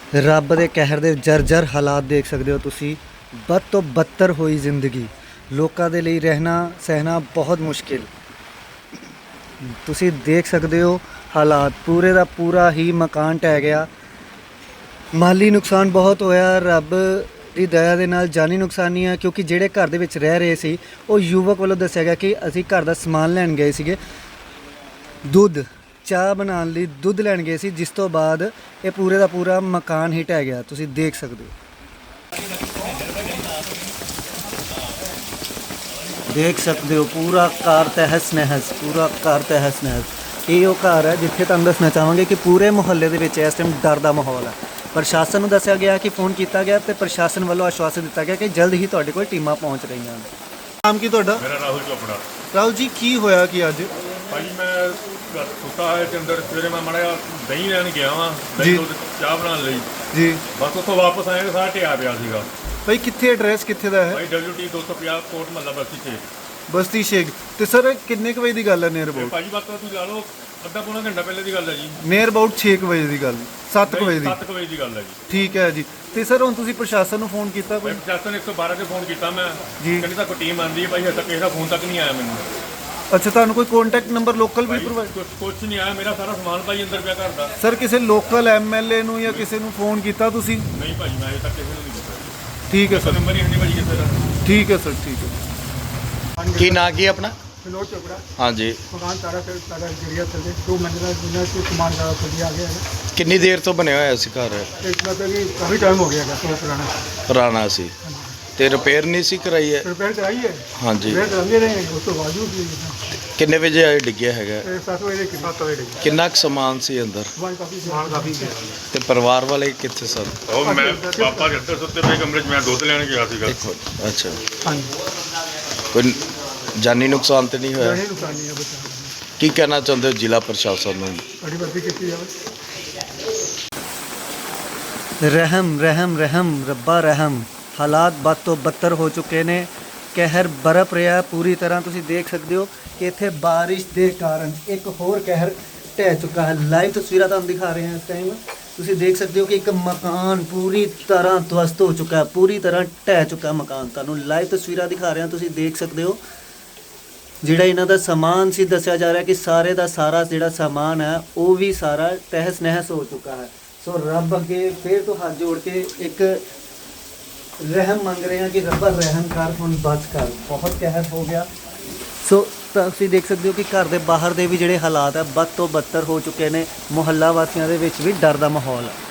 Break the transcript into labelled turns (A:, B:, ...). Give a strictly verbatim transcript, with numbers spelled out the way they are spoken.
A: ਰੱਬ ਦੇ ਕਹਿਰ ਦੇ ਜਰਜਰ ਹਾਲਾਤ ਦੇਖ ਸਕਦੇ ਹੋ ਤੁਸੀਂ। ਬਦ ਤੋਂ ਬੱਤਰ ਹੋਈ ਜ਼ਿੰਦਗੀ, ਲੋਕਾਂ ਦੇ ਲਈ ਰਹਿਣਾ ਸਹਿਣਾ ਬਹੁਤ ਮੁਸ਼ਕਿਲ। ਤੁਸੀਂ ਦੇਖ ਸਕਦੇ ਹੋ ਹਾਲਾਤ, ਪੂਰੇ ਦਾ ਪੂਰਾ ਹੀ ਮਕਾਨ ਢਹਿ ਗਿਆ। ਮਾਲੀ ਨੁਕਸਾਨ ਬਹੁਤ ਹੋਇਆ, ਰੱਬ ਦੀ ਦਇਆ ਦੇ ਨਾਲ ਜਾਨੀ ਨੁਕਸਾਨ ਨਹੀਂ ਆ, ਕਿਉਂਕਿ ਜਿਹੜੇ ਘਰ ਦੇ ਵਿੱਚ ਰਹਿ ਰਹੇ ਸੀ ਉਹ ਯੁਵਕ ਵੱਲੋਂ ਦੱਸਿਆ ਗਿਆ ਕਿ ਅਸੀਂ ਘਰ ਦਾ ਸਮਾਨ ਲੈਣ ਗਏ ਸੀਗੇ, ਦੁੱਧ ਚਾਹ ਬਣਾਉਣ ਲਈ ਦੁੱਧ ਲੈਣ ਗਏ ਸੀ, ਜਿਸ ਤੋਂ ਬਾਅਦ ਇਹ ਪੂਰੇ ਦਾ ਪੂਰਾ ਮਕਾਨ ਹੀ ਢਹਿ ਗਿਆ। ਤੁਸੀਂ ਦੇਖ ਸਕਦੇ ਹੋ ਦੇਖ ਸਕਦੇ ਹੋ ਪੂਰਾ ਘਰ ਤਹਿਸ ਨਹਿਸ, ਪੂਰਾ ਘਰ ਤਹਿਸ ਨਹਿਸ। ਇਹ ਉਹ ਘਰ ਹੈ ਜਿੱਥੇ ਤੁਹਾਨੂੰ ਦੱਸਣਾ ਚਾਹਾਂਗੇ ਕਿ ਪੂਰੇ ਮੁਹੱਲੇ ਦੇ ਵਿੱਚ ਇਸ ਟਾਈਮ ਡਰ ਦਾ ਮਾਹੌਲ ਹੈ। ਪ੍ਰਸ਼ਾਸਨ ਨੂੰ ਦੱਸਿਆ ਗਿਆ ਕਿ ਫ਼ੋਨ ਕੀਤਾ ਗਿਆ ਤੇ ਪ੍ਰਸ਼ਾਸਨ ਵੱਲੋਂ ਆਸ਼ਵਾਸਨ ਦਿੱਤਾ ਗਿਆ ਕਿ ਜਲਦ ਹੀ ਤੁਹਾਡੇ ਕੋਲ ਟੀਮਾਂ ਪਹੁੰਚ ਰਹੀਆਂ ਹਨ। ਨਾਮ ਕੀ ਤੁਹਾਡਾ?
B: ਮੇਰਾ ਰਾਹੁਲ ਚੋਪੜਾ।
A: ਰਾਹੁਲ ਜੀ, ਕੀ ਹੋਇਆ ਕਿ ਅੱਜ?
B: ਭਾਜੀ ਮੈਂ ਘਰ ਸੁੱਤਾ ਹੈ ਤੇ ਅੰਦਰ ਸਵੇਰੇ ਮੈਂ ਮਾੜਾ ਜਿਹਾ ਦਹੀਂ ਲੈਣ ਗਿਆ ਵਾਂ, ਦਹੀਂ ਦੁੱਧ ਚਾਹ ਬਣਾਉਣ ਲਈ
A: ਜੀ।
B: ਬਸ ਉੱਥੋਂ ਵਾਪਸ ਆਏ ਤਾਂ ਸਾਰਾ ਢਿਆ ਪਿਆ ਸੀਗਾ।
A: ਭਾਈ ਕਿੱਥੇ ਐਡਰੈਸ ਕਿੱਥੇ ਦਾ ਹੈ?
B: ਭਾਈ ਡਬਲਯੂ ਟੀ ਦੋ ਸੌ ਪੰਜਾਹ ਕੋਟ ਮਹੱਲਾ ਬਸਤੀ ਛੇ
A: ਬਸਤੀ ਸ਼ੇਖ। ਤੇ ਸਰ ਕਿੰਨੇ ਕੁ ਵਜੇ ਦੀ ਗੱਲ ਹੈ ਨੀਅਰ
B: ਤੇ
A: ਅਬਾਊਟ?
B: ਭਾਜੀ ਬਾਤ ਤੁਸੀਂ ਲਾ ਲਓ ਅੱਧਾ ਪੌਣਾ ਘੰਟਾ ਪਹਿਲੇ ਦੀ ਗੱਲ ਹੈ ਜੀ।
A: ਨੀਅਰ ਅਬਾਊਟ ਛੇ ਕੁ ਵਜੇ ਦੀ ਗੱਲ, ਸੱਤ ਕੁ ਵਜੇ ਦੀ।
B: ਸੱਤ ਕੁ ਵਜੇ ਦੀ ਗੱਲ ਹੈ ਜੀ।
A: ਠੀਕ ਹੈ ਜੀ। ਤੇ ਸਰ ਹੁਣ ਤੁਸੀਂ ਪ੍ਰਸ਼ਾਸਨ ਨੂੰ ਫੋਨ ਕੀਤਾ ਕੋਈ?
B: ਮੈਂ ਪ੍ਰਸ਼ਾਸਨ ਇੱਕ ਸੌ ਬਾਰਾਂ ਤੇ ਫੋਨ ਕੀਤਾ ਮੈਂ
A: ਜੀ।
B: ਕਹਿੰਦੇ ਤੱਕ ਟੀਮ ਆਂਦੀ ਹੈ ਭਾਈ, ਹਜੇ ਤੱਕ ਕਿਸੇ ਦਾ ਫੋਨ ਤੱਕ ਨਹੀਂ ਆਇਆ ਮੈਨੂੰ।
A: ਅੱਛਾ, ਤੁਹਾਨੂੰ ਕੋਈ ਕੰਟੈਕਟ ਨੰਬਰ ਲੋਕਲ ਵੀ ਪ੍ਰੋਵਾਈਡ?
B: ਕੁਛ ਕੁਛ ਨਹੀਂ ਆਇਆ, ਮੇਰਾ ਸਾਰਾ ਸਮਾਨ ਭਾਈ ਅੰਦਰ ਪਿਆ ਘਰ ਦਾ।
A: ਸਰ ਕਿਸੇ ਲੋਕਲ ਐਮਐਲਏ ਨੂੰ ਜਾਂ ਕਿਸੇ ਨੂੰ ਫੋਨ ਕੀਤਾ ਤੁਸੀਂ?
B: ਨਹੀਂ ਭਾਜੀ, ਮੈਂ ਹਜੇ ਤੱਕ ਕਿਸੇ ਨੂੰ ਨਹੀਂ ਕੀਤਾ।
A: ਠੀਕ ਹੈ ਸਰ,
B: ਨੰਬਰ ਹੀ ਨਹੀਂ ਭਾਜੀ ਕਿਸੇ ਦਾ।
A: ਠੀਕ ਹੈ ਸਰ, ਠੀਕ ਹੈ।
C: ਕੀ ਨਾਂ ਕੀ ਆਪਣਾ?
D: विनोद चोपड़ा।
C: ਹਾਂਜੀ,
D: मकान सारा से सारा गिरिया चले दो मंजिला जिन्हें से सामान सारा खुद आ गया है।
C: ਕਿੰਨੀ ਦੇਰ ਤੋਂ ਬਣਿਆ ਹੋਇਆ ਸੀ ਘਰ?
D: एक मतलब कि काफ़ी टाइम हो गया है तो पुराना।
C: ਪੁਰਾਣਾ ਸੀ ਤੇ ਰਿਪੇਅਰ ਨਹੀਂ ਸੀ ਕਰਾਈ ਹੈ?
D: रिपेयर कराई है,
C: ਹਾਂਜੀ।
D: रिपेयर कराते रहे उस तो बाजू भी
C: ਕਿੰਨੇ ਵਜੇ ਆਏ ਡਿੱਗਿਆ ਹੈਗਾ?
D: सात बजे के सात बजे
C: ਕਿੰਨਾ ਕੁ ਸਮਾਨ ਸੀ ਅੰਦਰ
D: सामान काफ़ी सामान काफ़ी
C: ਤੇ ਪਰਿਵਾਰ ਵਾਲੇ ਕਿੱਥੇ ਸਨ?
B: ਉਹ ਮੈਂ ਪਾਪਾ ਦੇ ਅੰਦਰ ਸੁੱਤੇ ਪਏ ਕਮਰੇ 'ਚ, ਮੈਂ ਦੁੱਧ ਲੈਣ ਗਿਆ ਸੀਗਾ।
C: ਅੱਛਾ,
D: हाँ
C: ਕੋਈ ਜਾਨੀ ਨੁਕਸਾਨ ਤੇ ਨਹੀਂ ਹੋਇਆ?
D: जी, नुकसान नहीं है बच्चा।
C: ਕੀ ਕਹਿਣਾ ਚਾਹੁੰਦੇ ਹੋ ਜ਼ਿਲ੍ਹਾ ਪ੍ਰਸ਼ਾਸਨ ਨੂੰ?
D: बड़ी बर्फी की जाए।
A: ਰਹਿਮ ਰਹਿਮ ਰਹਿਮ ਰੱਬਾ ਰਹਿਮ। ਹਾਲਾਤ ਬਦ ਤੋਂ ਬੱਤਰ ਹੋ ਚੁੱਕੇ ਨੇ, ਕਹਿਰ ਬਰਪ ਰਿਹਾ ਪੂਰੀ ਤਰ੍ਹਾਂ। ਤੁਸੀਂ ਦੇਖ ਸਕਦੇ ਹੋ ਕਿ ਇੱਥੇ ਬਾਰਿਸ਼ ਦੇ ਕਾਰਨ ਇੱਕ ਹੋਰ ਕਹਿਰ ਢਹਿ ਚੁੱਕਾ ਹੈ। ਲਾਈਵ ਤਸਵੀਰਾਂ ਤੁਹਾਨੂੰ ਦਿਖਾ ਰਹੇ ਹਾਂ ਇਸ ਟਾਈਮ। ਤੁਸੀਂ ਦੇਖ ਸਕਦੇ ਹੋ ਕਿ ਇੱਕ ਮਕਾਨ ਪੂਰੀ ਤਰ੍ਹਾਂ ਧਵਸਤ ਹੋ ਚੁੱਕਾ ਹੈ, ਪੂਰੀ ਤਰ੍ਹਾਂ ਢਹਿ ਚੁੱਕਾ ਮਕਾਨ। ਤੁਹਾਨੂੰ ਲਾਈਵ ਤਸਵੀਰਾਂ ਦਿਖਾ ਰਹੇ ਹਾਂ, ਤੁਸੀਂ ਦੇਖ ਸਕਦੇ ਹੋ। ਜਿਹੜਾ ਇਹਨਾਂ ਦਾ ਸਮਾਨ ਸੀ, ਦੱਸਿਆ ਜਾ ਰਿਹਾ ਕਿ ਸਾਰੇ ਦਾ ਸਾਰਾ ਜਿਹੜਾ ਸਮਾਨ ਹੈ ਉਹ ਵੀ ਸਾਰਾ ਤਹਿਸ ਨਹਿਸ ਹੋ ਚੁੱਕਾ ਹੈ। ਸੋ ਰੱਬ ਅੱਗੇ ਫਿਰ ਤੋਂ ਹੱਥ ਜੋੜ ਕੇ ਇੱਕ ਰਹਿਮ ਮੰਗ ਰਹੇ ਹਾਂ ਕਿ ਰੱਬਾ ਰਹਿਮ ਕਰ, ਹੁਣ ਬਚ ਕਰ, ਬਹੁਤ ਕਹਿਰ ਹੋ ਗਿਆ। ਸੋ ਤੁਸੀਂ ਦੇਖ ਸਕਦੇ ਹੋ ਕਿ ਘਰ ਦੇ ਬਾਹਰ ਦੇ ਵੀ ਜਿਹੜੇ ਹਾਲਾਤ ਹੈ ਬਦ ਤੋਂ ਬੱਤਰ ਹੋ ਚੁੱਕੇ ਨੇ। ਮੁਹੱਲਾ ਵਾਸੀਆਂ ਦੇ ਵਿੱਚ ਵੀ ਡਰ ਦਾ ਮਾਹੌਲ ਹੈ।